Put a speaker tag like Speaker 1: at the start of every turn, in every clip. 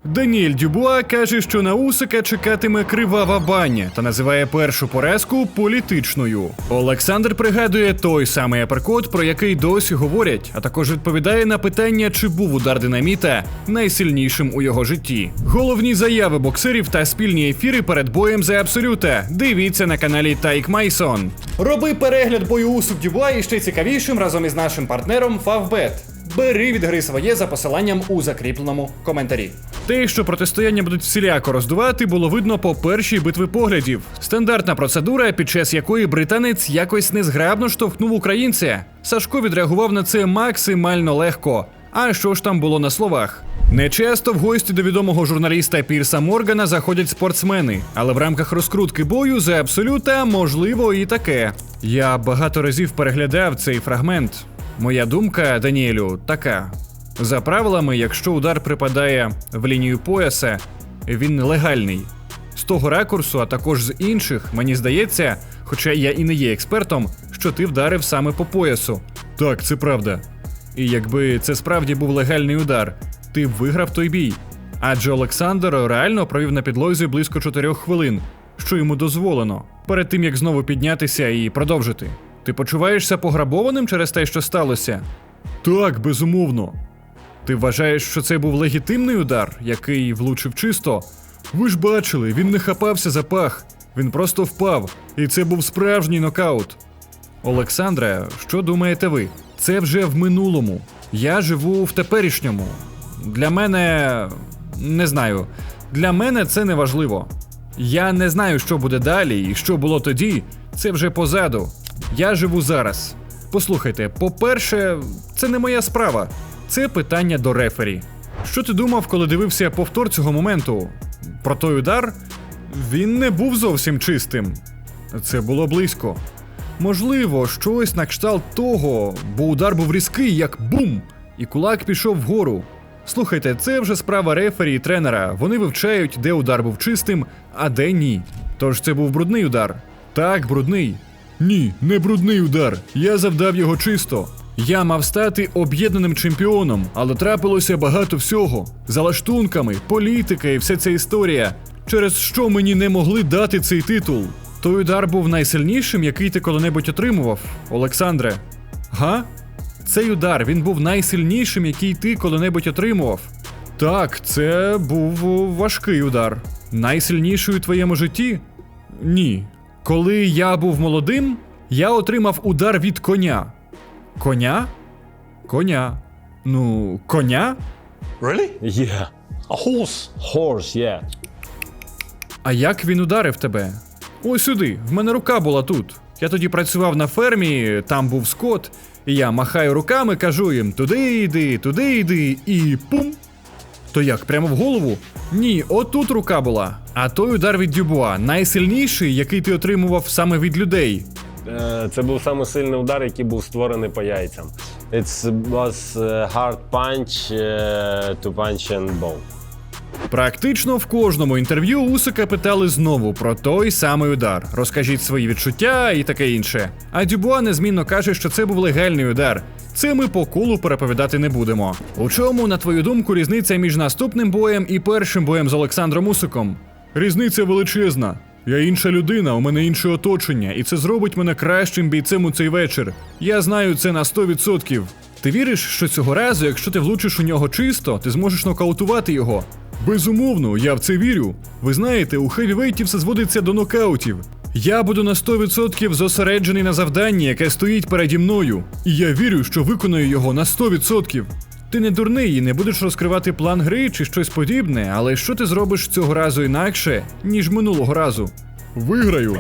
Speaker 1: Даніель Дюбуа каже, що на Усика чекатиме кривава баня та називає першу поразку політичною. Олександр пригадує той самий аперкот, про який досі говорять, а також відповідає на питання, чи був удар динаміта найсильнішим у його житті. Головні заяви боксерів та спільні ефіри перед боєм за Абсолюта дивіться на каналі Тайк Майсон. Роби перегляд бою Усик Дюбуа і ще цікавішим разом із нашим партнером Favbet. Бери від гри своє за посиланням у закріпленому коментарі. Те, що протистояння будуть всіляко роздувати, було видно по першій битві поглядів. Стандартна процедура, під час якої британець якось незграбно штовхнув українця. Сашко відреагував на це максимально легко. А що ж там було на словах? Нечасто в гості до відомого журналіста Пірса Моргана заходять спортсмени, але в рамках розкрутки бою за Абсолюта можливо і таке. Я багато разів переглядав цей фрагмент. Моя думка, Даніелю, така. За правилами, якщо удар припадає в лінію пояса, він легальний. З того ракурсу, а також з інших, мені здається, хоча я і не є експертом, що ти вдарив саме по поясу. Так, це правда. І якби це справді був легальний удар, ти б виграв той бій. Адже Олександр реально провів на підлозі близько 4 хвилин, що йому дозволено, перед тим, як знову піднятися і продовжити. Ти почуваєшся пограбованим через те, що сталося? Так, безумовно. Ти вважаєш, що це був легітимний удар, який влучив чисто? Ви ж бачили, він не хапався за пах, він просто впав, і це був справжній нокаут. Олександре, що думаєте ви? Це вже в минулому. Я живу в теперішньому. Для мене... не знаю. Для мене це не важливо. Я не знаю, що буде далі і що було тоді, це вже позаду. Я живу зараз. Послухайте, по-перше, це не моя справа. Це питання до рефері. Що ти думав, коли дивився повтор цього моменту? Про той удар? Він не був зовсім чистим. Це було близько. Можливо, щось на кшталт того, бо удар був різкий, як бум, і кулак пішов вгору. Слухайте, це вже справа рефері і тренера. Вони вивчають, де удар був чистим, а де ні. Тож це був брудний удар. Так, брудний. Ні, не брудний удар. Я завдав його чисто. Я мав стати об'єднаним чемпіоном, але трапилося багато всього. За лаштунками, політика і вся ця історія. Через що мені не могли дати цей титул. Той удар був найсильнішим, який ти коли-небудь отримував, Олександре. Га? Цей удар, він був найсильнішим, який ти коли-небудь отримував. Так, це був важкий удар. Найсильніший у твоєму житті? Ні. Коли я був молодим, я отримав удар від коня. Коня? Коня. Ну, коня?
Speaker 2: Really?
Speaker 3: Yeah.
Speaker 2: A horse?
Speaker 3: Horse, yeah.
Speaker 1: А як він ударив тебе? Ось сюди, в мене рука була тут. Я тоді працював на фермі, там був скот, і я махаю руками, кажу їм туди йди, і пум. То як, прямо в голову? Ні, отут рука була. А той удар від Дюбуа, найсильніший, який ти отримував саме від людей.
Speaker 3: Це був саме сильний удар, який був створений по яйцям. It was hard punch to punch and bone.
Speaker 1: Практично в кожному інтерв'ю Усика питали знову про той самий удар. Розкажіть свої відчуття і таке інше. А Дюбуа незмінно каже, що це був легальний удар. Це ми по колу переповідати не будемо. У чому, на твою думку, різниця між наступним боєм і першим боєм з Олександром Усиком? Різниця величезна. Я інша людина, у мене інше оточення, і це зробить мене кращим бійцем у цей вечір. Я знаю це на 100%. Ти віриш, що цього разу, якщо ти влучиш у нього чисто, ти зможеш нокаутувати його? Безумовно, я в це вірю. Ви знаєте, у хевівейті все зводиться до нокаутів. Я буду на 100% зосереджений на завданні, яке стоїть переді мною. І я вірю, що виконаю його на 100%. Ти не дурний і не будеш розкривати план гри чи щось подібне, але що ти зробиш цього разу інакше, ніж минулого разу? Виграю.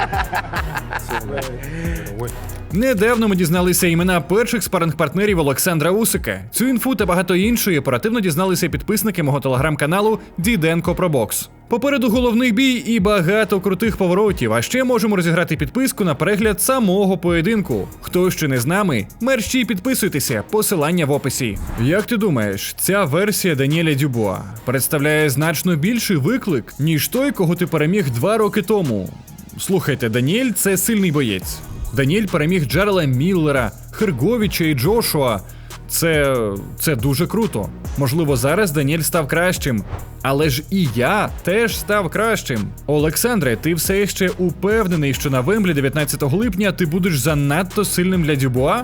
Speaker 1: Недавно ми дізналися імена перших спаринг-партнерів Олександра Усика. Цю інфу та багато іншої оперативно дізналися підписники мого телеграм-каналу Діденко про бокс. Попереду головний бій і багато крутих поворотів, а ще можемо розіграти підписку на перегляд самого поєдинку. Хто ще не з нами, мерщій підписуйтеся, посилання в описі. Як ти думаєш, ця версія Даніеля Дюбуа представляє значно більший виклик, ніж той, кого ти переміг 2 роки тому? Слухайте, Даніель – це сильний боєць. Даніель переміг Джерела Міллера, Херговіча і Джошуа. Це дуже круто. Можливо, зараз Даніель став кращим. Але ж і я теж став кращим. Олександре, ти все ще упевнений, що на Вемблі 19 липня ти будеш занадто сильним для Дюбуа?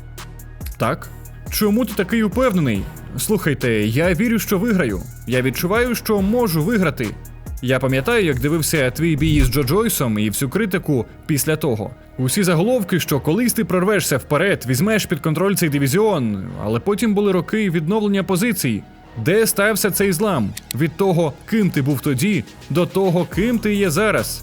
Speaker 1: Так. Чому ти такий упевнений? Слухайте, я вірю, що виграю. Я відчуваю, що можу виграти. Я пам'ятаю, як дивився твій бій з Джо Джойсом і всю критику після того. Усі заголовки, що колись ти прорвешся вперед, візьмеш під контроль цей дивізіон, але потім були роки відновлення позицій. Де стався цей злам? Від того, ким ти був тоді, до того, ким ти є зараз?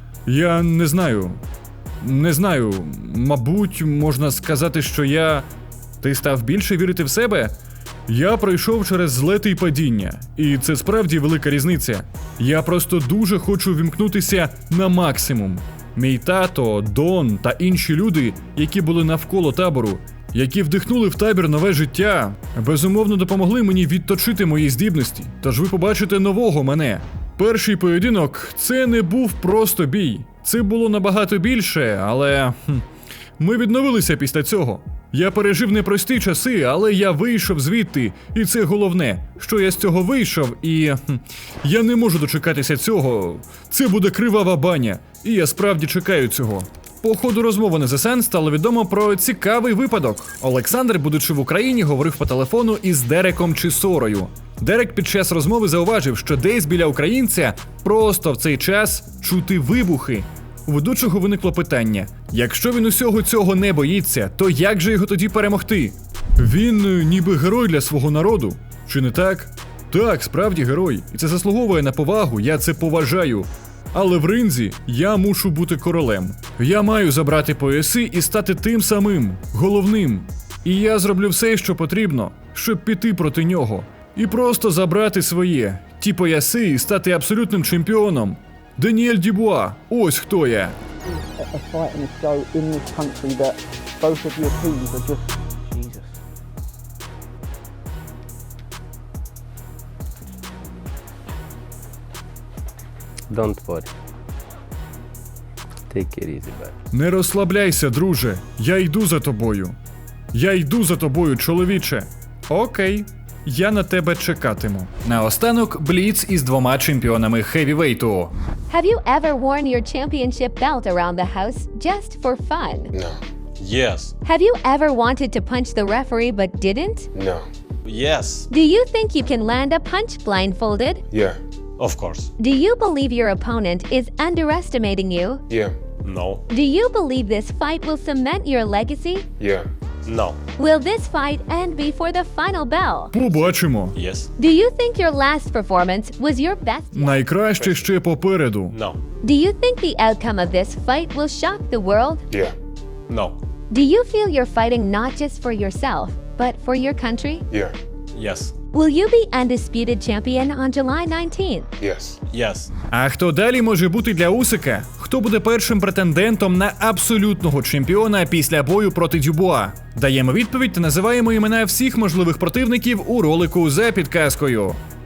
Speaker 1: Я не знаю. Не знаю. Мабуть, можна сказати, що Ти став більше вірити в себе? Я пройшов через злети й падіння, і це справді велика різниця. Я просто дуже хочу вімкнутися на максимум. Мій тато, Дон та інші люди, які були навколо табору, які вдихнули в табір нове життя, безумовно допомогли мені відточити мої здібності. Тож ви побачите нового мене. Перший поєдинок – це не був просто бій. Це було набагато більше, але ми відновилися після цього. Я пережив непрості часи, але я вийшов звідти, і це головне, що я з цього вийшов, і я не можу дочекатися цього. Це буде кривава баня, і я справді чекаю цього. По ходу розмови на The Sun стало відомо про цікавий випадок. Олександр, будучи в Україні, говорив по телефону із Дереком Чісорою. Дерек під час розмови зауважив, що десь біля українця просто в цей час чути вибухи. У ведучого виникло питання: якщо він усього цього не боїться, то як же його тоді перемогти? Він ніби герой для свого народу, чи не так? Так, справді герой, і це заслуговує на повагу, я це поважаю. Але в ринзі я мушу бути королем. Я маю забрати пояси і стати тим самим, головним. І я зроблю все, що потрібно, щоб піти проти нього. І просто забрати своє, ті пояси і стати абсолютним чемпіоном. Даніель Дюбуа, ось хто я.
Speaker 4: A fighting show in this country that both of your teams are just Jesus.
Speaker 3: Don't worry. Take it easy, man.
Speaker 1: Не розслабляйся, друже. Я йду за тобою. Я йду за тобою, чоловіче. Окей. Я на тебе чекатиму. Наостанок Бліц із двома чемпіонами хевівейту.
Speaker 5: Have you ever worn your championship belt around the house just for fun?
Speaker 2: No. Yes.
Speaker 5: Have you ever wanted to punch the referee but didn't?
Speaker 2: No.
Speaker 3: Yes.
Speaker 5: Do you think you can land a punch blindfolded?
Speaker 2: Yeah.
Speaker 3: Of course.
Speaker 5: Do you believe your opponent is underestimating you?
Speaker 2: Yeah.
Speaker 3: No.
Speaker 5: Do you believe this fight will cement your legacy?
Speaker 2: Yeah.
Speaker 3: No.
Speaker 5: Will this fight end before the final bell?
Speaker 1: Побачимо.
Speaker 3: Yes.
Speaker 5: Do you think your last performance was your best yet?
Speaker 1: Найкраще ще попереду.
Speaker 3: No.
Speaker 5: Do you think the outcome of this fight will shock the world?
Speaker 2: Yeah.
Speaker 3: No.
Speaker 5: Do you feel you're fighting not just for yourself, but for your country?
Speaker 2: Yeah.
Speaker 3: Yes.
Speaker 5: Will you be undisputed champion on July 19th?
Speaker 2: Yes.
Speaker 3: Yes.
Speaker 1: А хто далі може бути для Усика? Хто буде першим претендентом на абсолютного чемпіона після бою проти Дюбуа? Даємо відповідь та називаємо імена всіх можливих противників у ролику за підказкою.